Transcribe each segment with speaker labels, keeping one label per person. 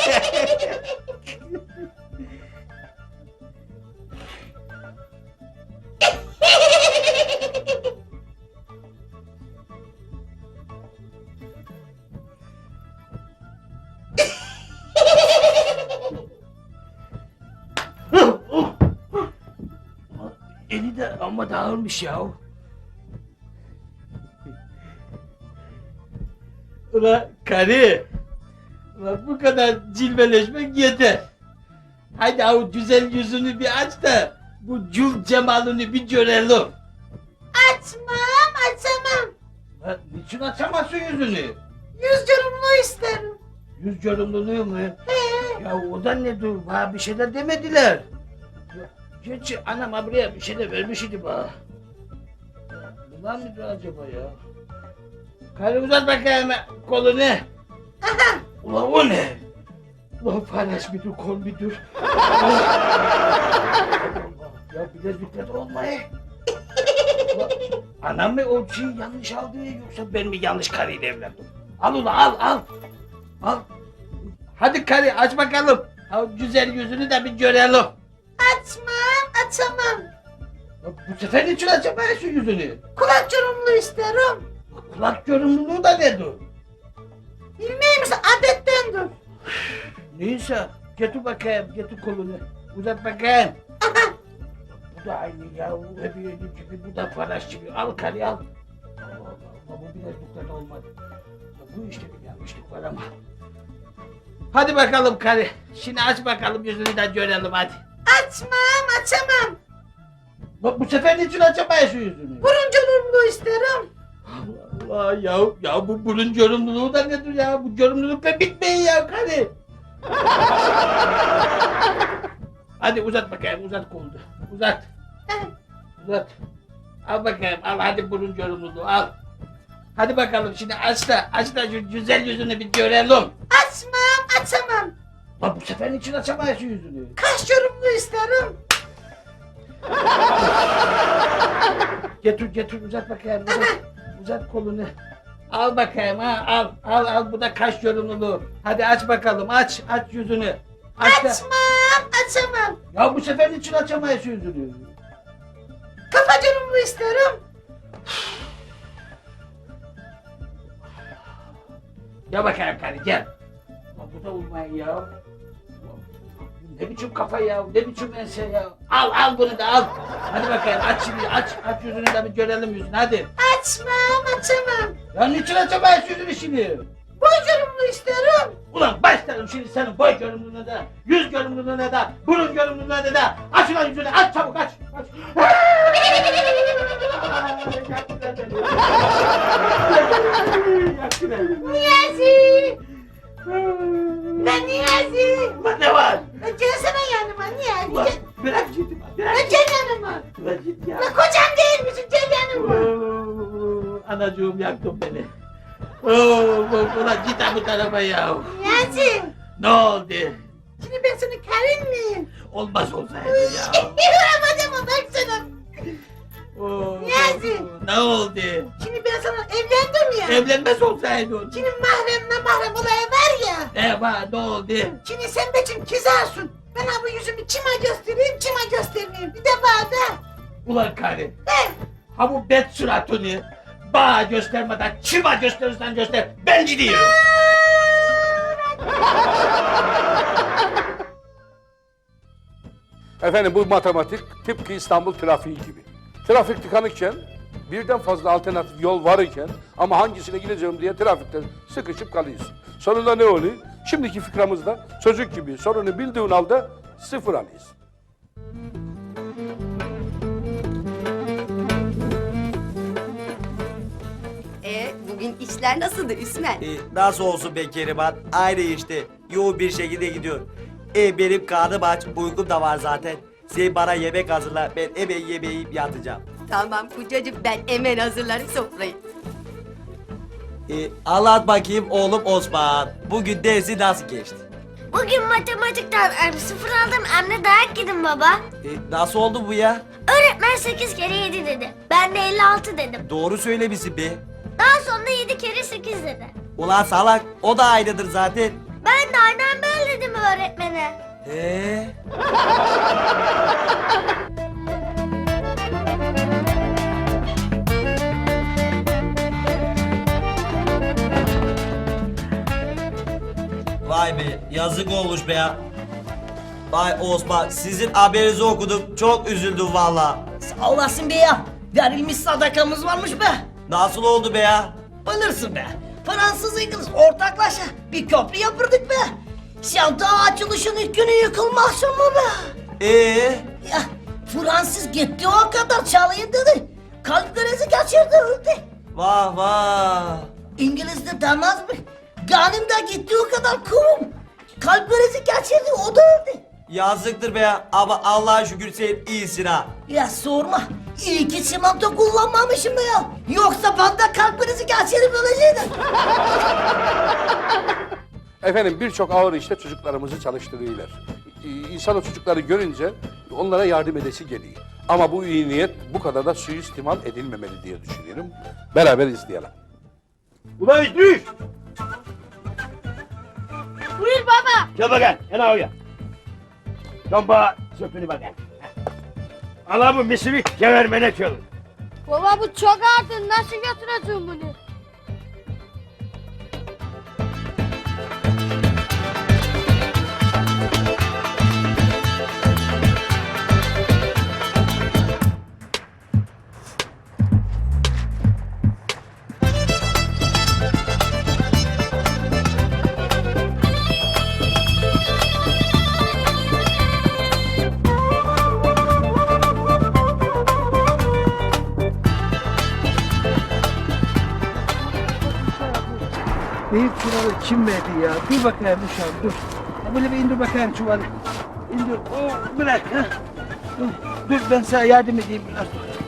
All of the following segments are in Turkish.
Speaker 1: Eli de amma dağılmış ya. Ulan karı, ulan bu kadar cilveleşmek yeter. Haydi o güzel yüzünü bir aç da bu cül cemalini bir görelim.
Speaker 2: Açmam, açamam.
Speaker 1: Lan niçin açamazsın yüzünü?
Speaker 2: Yüz yorumlu isterim.
Speaker 1: Yüz görümlülüğü mü? Ya o da ne dur? Bana bir şey de demediler. Gerçi anam buraya bir şey de vermiş idi bana. Bunlar mıydı acaba ya? Karı uzat bakayım kolunu.
Speaker 2: Aha,
Speaker 1: Ulan o ne? Ulan paylaş bir dur, kol bir dur. Ya bilezikler olmayı. Anam mı o şeyi yanlış aldı yoksa ben mi yanlış karıyla evlendim? Al ulan al. Al. Hadi karı aç bakalım. Ha, güzel yüzünü de bir görelim.
Speaker 2: açmam, açamam.
Speaker 1: Ya, bu sefer niçin açamayız şu yüzünü?
Speaker 2: Kulak yorumlu isterim.
Speaker 1: Kulak görünümlüğü da nedir?
Speaker 2: Bilmeyeyim misin, adettendir.
Speaker 1: Neyse getir bakayım, getir kolunu. Uzat bakayım.
Speaker 2: Aha,
Speaker 1: Bu da aynı ya, öbürü gibi, bu da paraş gibi. Al karı al. Allah, bu bilezikler de olmadı. Ya, bu işte bir yanlışlık var ama. Hadi bakalım karı. Şimdi aç bakalım yüzünü de görelim hadi.
Speaker 2: açmam, açamam.
Speaker 1: Bak bu sefer niçin açamayız şu yüzünü?
Speaker 2: Burun yorumlu isterim.
Speaker 1: Allah Allah ya bu burun görümlülüğü da nedir ya? Bu görümlülükle bitmeyin ya karı. Hadi uzat bakayım, uzat kolunu. Uzat. Uzat. Al bakayım, al hadi burun görümlülüğü al. Hadi bakalım şimdi aç da şu güzel yüzünü bir görelim.
Speaker 2: Açmam, açamam.
Speaker 1: Lan bu sefer niçin açamayız şu yüzünü?
Speaker 2: Kaş yorumlu isterim.
Speaker 1: Getir uzat bakayım, uzat kolunu. Al bakayım ha, al bu da kaş yorumluluğu. Hadi aç bakalım, aç yüzünü. Aç da.
Speaker 2: Açmam, açamam.
Speaker 1: Ya bu sefer niçin açamayız yüzünü?
Speaker 2: Kafa yorumlu isterim.
Speaker 1: Gel bakayım karı gel. Lan bu da olmayın ya. Ne biçim kafa ya, ne biçim ense ya. Al bunu da al. Hadi bakayım aç şimdi, aç yüzünü de bir görelim yüzünü hadi.
Speaker 2: Açmam, açamam.
Speaker 1: Ya niçin açamayız yüzünü şimdi?
Speaker 2: Boy yorumlu isterim.
Speaker 1: Ulan başlarım şimdi senin boy görünümlüğüne de, yüz görünümlüğüne de, burun görünümlüğüne de. Aç ulan yüzünü, aç çabuk aç. Yaktı beni.
Speaker 2: Niyazi. Ben Niyazi.
Speaker 1: Ulan ne var?
Speaker 2: Gelsene yanıma Niyazi.
Speaker 1: Ulan bırak ciddi bırak.
Speaker 2: Gel yanıma.
Speaker 1: Bırak ciddi ya.
Speaker 2: Ya kocam değil misin? Gel yanıma.
Speaker 1: Anacığım yaktın beni. Ulan git bu tarafa ya.
Speaker 2: Niyazi.
Speaker 1: Ne oldu?
Speaker 2: Şimdi ben senin karın mıyım?
Speaker 1: Olmaz olsaydı ya.
Speaker 2: Yapacağım baksana.
Speaker 1: Niyazi. Ne oldu?
Speaker 2: Şimdi ben sana evlendim ya.
Speaker 1: Evlenmez olsaydın.
Speaker 2: Şimdi mahrem olayı var ya.
Speaker 1: Var ne oldu?
Speaker 2: Şimdi sen benim kizarsın. Ben ha bu yüzümü kime göstermeyeyim. Bir de bana.
Speaker 1: Ulan karı.
Speaker 2: He.
Speaker 1: Ha bu bet suratını bana göstermeden kime gösterirsen göster. Ben gidiyorum.
Speaker 3: Efendim bu matematik tıpkı İstanbul trafiği gibi. Trafik tıkanıkken birden fazla alternatif yol var iken ama hangisine gideceğim diye trafikte sıkışıp kalıyorsun. Sonunda ne oluyor? Şimdiki fikramızda çocuk gibi sorunu bildiğin halde sıfır alıyorsun.
Speaker 4: Bugün işler nasıldı Üsmen?
Speaker 5: Nasıl olsun be Keriman? Aynı işte. Yoğun bir şekilde gidiyor. Benim karnım aç, uykum da var zaten. Sen bana yemek hazırla, ben hemen yemeği yiyip yatacağım.
Speaker 4: Tamam kocacığım ben hemen hazırlarım sofrayı.
Speaker 5: Anlat bakayım oğlum Osman. Bugün dersi nasıl geçti?
Speaker 6: Bugün matematikten sıfır aldım, hem de dayak yedim baba.
Speaker 5: Nasıl oldu bu ya?
Speaker 6: Öğretmen 8 kere 7 dedi. Ben de 56 dedim.
Speaker 5: Doğru söylemişsin be.
Speaker 6: Daha sonra 7 kere 8 dedi.
Speaker 5: Ulan salak, o da aynıdır zaten.
Speaker 6: Ben de aynen böyle öğretmene.
Speaker 5: Vay be yazık olmuş be ya. Vay Osman sizin haberinizi okudum çok üzüldüm valla.
Speaker 2: Sağ olasın be ya. Verilmiş sadakamız varmış be.
Speaker 5: Nasıl oldu be ya?
Speaker 2: Bilirsin be. Fransız İngiliz ortaklaşa bir köprü yapırdık be. Şanta açılışın ilk günü yıkılmaz mı be? Ya Fransız gitti o kadar çalayım dedi. Kalp krizi geçirdi öldü.
Speaker 5: Vah vah.
Speaker 2: İngiliz de demez mi? Ganim de gitti o kadar kurum. Kalp krizi geçirdi o da öldü.
Speaker 5: Yazıktır be ya ama Allah'a şükür sen iyisin ha.
Speaker 2: Ya sorma. İyi ki çimento kullanmamışım be ya. Yoksa ben de kalp krizi geçirip ölecektim.
Speaker 3: Efendim birçok ağır işte çocuklarımızı çalıştırıyorlar. İnsan o çocukları görünce onlara yardım edesi geliyor. Ama bu iyi niyet bu kadar da suistimal edilmemeli diye düşünüyorum. Beraber izleyelim.
Speaker 1: Ulan İdris!
Speaker 6: Buyur baba.
Speaker 1: Gel bakayım, hele oraya. Dön bana söpünü bakayım. Ala bu misiri gevermene çalın.
Speaker 6: Baba bu çok ağır. Nasıl götüreceğim bunu?
Speaker 1: Büyük çuvalı kim verdi ya? Dur bakayım uşağım dur. Ha, böyle bir indir bakayım çuvalı. İndir. Oh, bırak. Ha. Dur ben sana yardım edeyim biraz.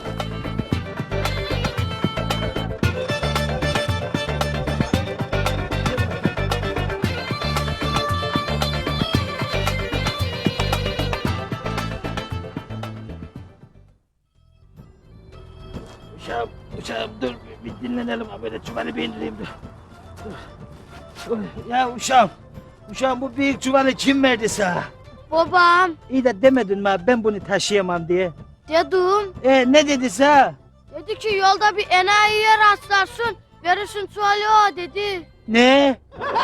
Speaker 1: Uşağım dur bir dinlenelim ha böyle çuvalı bir indireyim dur. Dur. Ya uşağım bu büyük çuvalı kim verdi sana?
Speaker 6: Babam.
Speaker 1: İyi de demedin mi abi, ben bunu taşıyamam diye.
Speaker 6: Dedim.
Speaker 1: Ne dedi sana?
Speaker 6: Dedi ki yolda bir enayiye rastlarsın. Verirsin tuvali o dedi.
Speaker 1: Ne?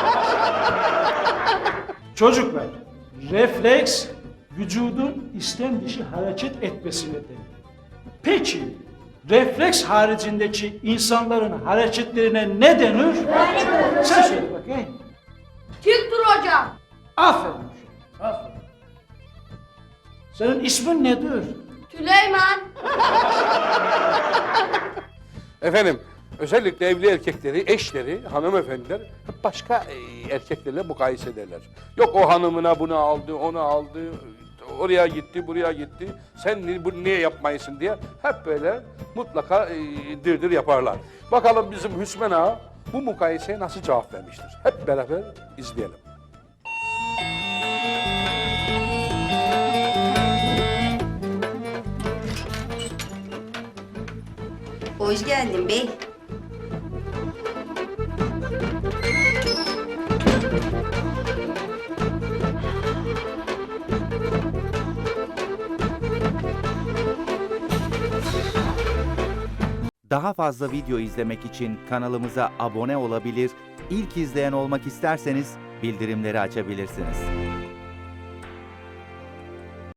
Speaker 7: Çocuklar, refleks vücudun istem dışı hareket etmesine denir. Peki, refleks haricindeki insanların hareketlerine ne denir? Sen söyle bakayım.
Speaker 6: Dik dur hocam.
Speaker 7: Aferin. Aferin. Senin ismin nedir?
Speaker 6: Süleyman.
Speaker 3: Efendim özellikle evli erkekleri, eşleri, hanımefendiler hep başka erkeklerle mukayese ederler. Yok o hanımına bunu aldı, onu aldı, oraya gitti, buraya gitti. Sen bunu niye yapmayısın diye hep böyle mutlaka dırdır yaparlar. Bakalım bizim Hüsmen Ağa bu mukayeseye nasıl cevap vermiştir? Hep beraber izleyelim.
Speaker 4: Hoş geldin bey.
Speaker 8: Daha fazla video izlemek için kanalımıza abone olabilir, ilk izleyen olmak isterseniz bildirimleri açabilirsiniz.